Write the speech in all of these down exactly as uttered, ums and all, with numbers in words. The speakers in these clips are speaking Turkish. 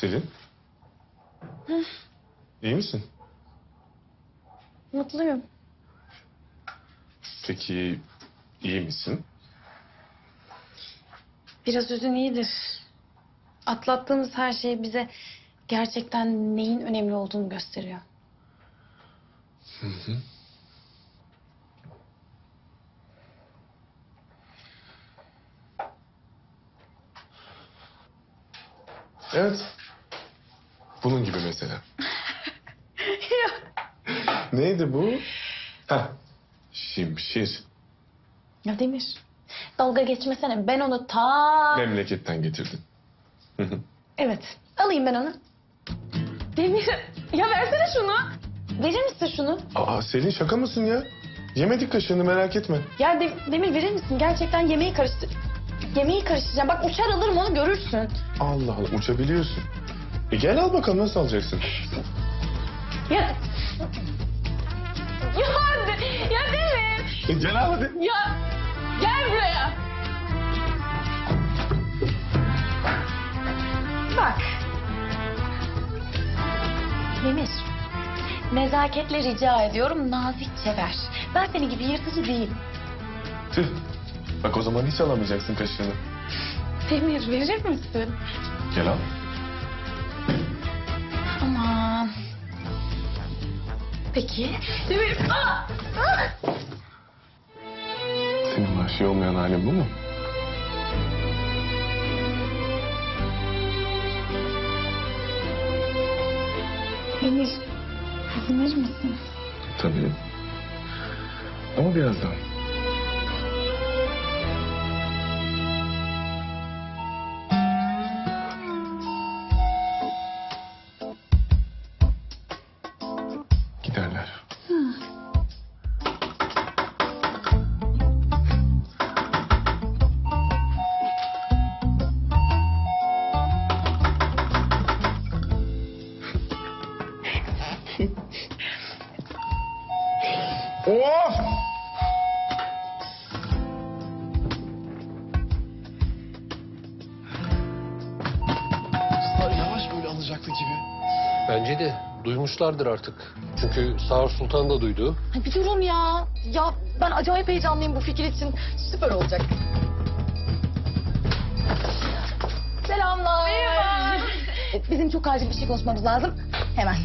Selin. Hı. İyi misin? Mutluyum. Peki iyi misin? Biraz üzün iyidir. Atlattığımız her şey bize gerçekten neyin önemli olduğunu gösteriyor. Hı hı. Evet. Bunun gibi mesela. Neydi bu? Heh. Şimşir. Ya Demir, dalga geçmesene. Ben onu ta... Memleketten getirdin. Hı hı. Evet, alayım ben onu. Demir, ya versene şunu. Verir misin şunu? Aa Selin şaka mısın ya? Yemedik kaşığını merak etme. Ya De- Demir verir misin? Gerçekten yemeği karıştır... Yemeği karıştıracağım. Bak uçar alırım onu görürsün. Allah Allah uçabiliyorsun. E gel al bakalım nasıl alacaksın? Ya... Ya, De- ya Demir. E gel al hadi. Ya gel buraya. Bak. Demir. Nezaketle rica ediyorum nazikçe ver. Ben senin gibi yırtıcı değilim. Tüh. Bak o zaman hiç alamayacaksın kaşığını. Demir verir misin? Gel al. Aman. Peki. Demir. Aa! Aa! Senin vahşi olmayan halin bu mu? Demir. Demir misin? Tabii. Ama birazdan. Giderler. Of! Kızlar yavaş böyle alacaktı gibi. Bence de duymuşlardır artık. Çünkü Sağır Sultan da duydu. Ay bir durun ya. Ya ben acayip heyecanlıyım bu fikir için. Süper olacak. Selamlar. Merhaba. E, Bizim çok acil bir şey konuşmamız lazım. Hemen.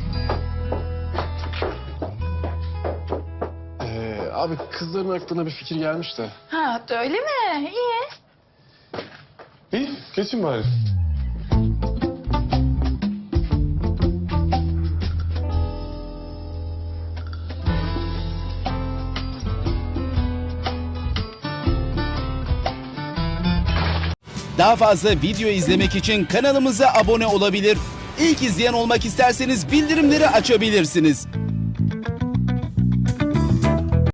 Ee, abi kızların aklına bir fikir gelmiş de. Ha öyle mi? İyi. İyi, geçin bari. Daha fazla video izlemek için kanalımıza abone olabilir. İlk izleyen olmak isterseniz bildirimleri açabilirsiniz.